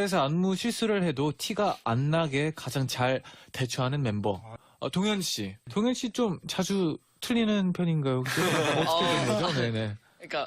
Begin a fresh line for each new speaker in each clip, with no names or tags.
무대에서 안무 실수를 해도 티가 안 나게 가장 잘 대처하는 멤버. 동현 씨. 동현 씨 좀 자주 틀리는 편인가요? 혹시? 어떻게 된 거죠? 네네.
그러니까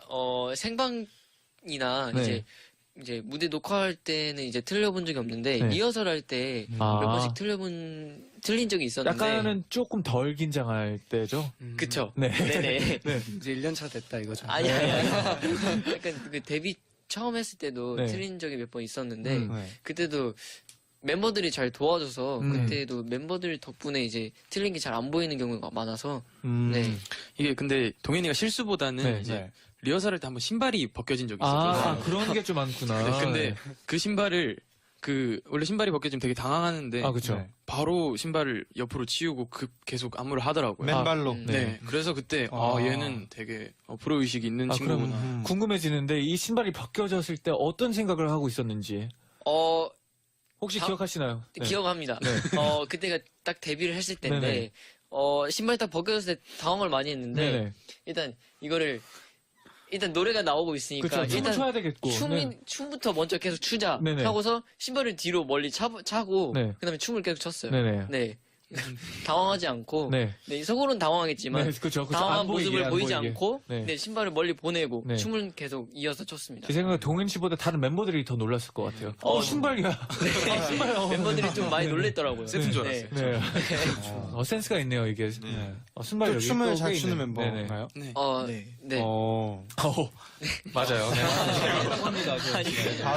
생방이나
네.
이제 무대 녹화할 때는 이제 틀려본 적이 없는데
네.
리허설 할 때 몇 번씩 틀린 적이 있었는데
약간은 조금 덜 긴장할 때죠?
그쵸?
네.
네네.
네.
이제 1년차 됐다 이거죠.
아니. 약간 그 데뷔 처음 했을 때도
네.
틀린 적이 몇 번 있었는데
네.
그때도 멤버들이 잘 도와줘서
음.
그때도 멤버들 덕분에 이제 틀린 게 잘 안 보이는 경우가 많아서 네.
이게 근데 동현이가 실수보다는
네.
이제
네.
리허설 할 때 한번 신발이 벗겨진 적이 있었거든요.
그런 게 좀 많구나.
네, 근데 그 신발을 원래 신발이 벗겨지면 되게 당황하는데
그쵸.
네.
바로 신발을 옆으로 치우고 계속 안무를 하더라고요.
맨발로.
네. 그래서 그때 얘는 되게 프로 의식이 있는
그럼
친구구나.
궁금해지는데 이 신발이 벗겨졌을 때 어떤 생각을 하고 있었는지 혹시 기억하시나요? 네.
기억합니다.
네.
그때가 딱 데뷔를 했을 때인데
네네.
신발 딱 벗겨졌을 때 당황을 많이 했는데
네네.
일단 이거를 노래가 나오고 있으니까
그쵸. 춤을 춰야 되겠고. 네.
춤부터 먼저 계속 추자
네네.
하고서 신발을 뒤로 멀리 차고
네.
그다음에 춤을 계속 췄어요.
네네.
네. 당황하지 않고
네.
속으로는 당황했지만
네, 그쵸.
당황한
안 보이게,
모습을
안
보이지
보이게.
않고
네.
신발을 멀리 보내고
네.
춤을 계속 이어서 췄습니다.
제 생각에 동현 씨보다 다른 멤버들이 더 놀랐을 것 같아요. 신발이야. 신발.
멤버들이 좀 많이 놀랬더라고요.
세트인 줄 알았어요.
네. 센스가 있네요, 이게. 신발
또
여기
춤을
또
잘
꽤
추는
있네.
멤버인가요?
네.
네.
어.
맞아요. 네.